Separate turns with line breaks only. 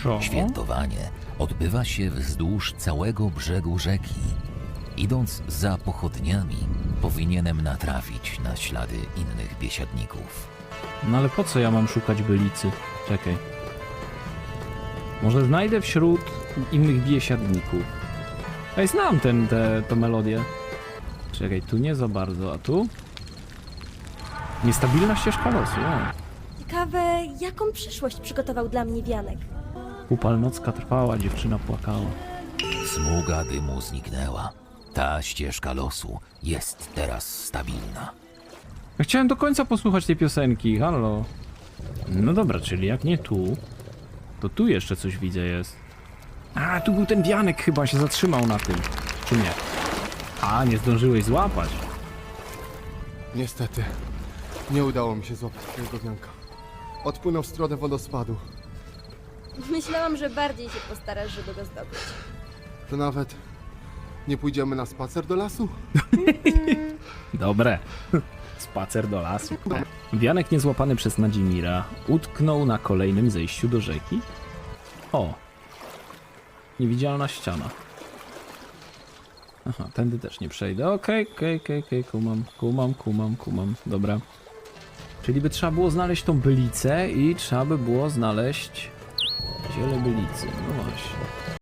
Co?
Świętowanie odbywa się wzdłuż całego brzegu rzeki. Idąc za pochodniami, powinienem natrafić na ślady innych biesiadników.
No ale po co ja mam szukać bylicy? Czekaj. Może znajdę wśród innych biesiadników. Ej, znam tę melodię. Czekaj, tu nie za bardzo, a tu? Niestabilna ścieżka losu, o.
Ciekawe, jaką przyszłość przygotował dla mnie Wianek.
Upalnocka trwała, dziewczyna płakała.
Smuga dymu zniknęła. Ta ścieżka losu jest teraz stabilna.
Ja chciałem do końca posłuchać tej piosenki, halo. No dobra, czyli jak nie tu, to tu jeszcze coś widzę jest. A, tu był ten wianek, chyba się zatrzymał na tym. Czy nie? A, nie zdążyłeś złapać.
Niestety, nie udało mi się złapać twojego wianka. Odpłynął w stronę wodospadu.
Myślałam, że bardziej się postarasz, żeby go zdobyć.
To nawet nie pójdziemy na spacer do lasu?
Dobre. Spacer do lasu. Wianek niezłapany przez Nadzimira utknął na kolejnym zejściu do rzeki. O. Niewidzialna ściana. Aha, tędy też nie przejdę. Okej, kumam. Dobra. Czyli by trzeba było znaleźć tą bylicę i trzeba by było znaleźć ziele bylicy. No właśnie.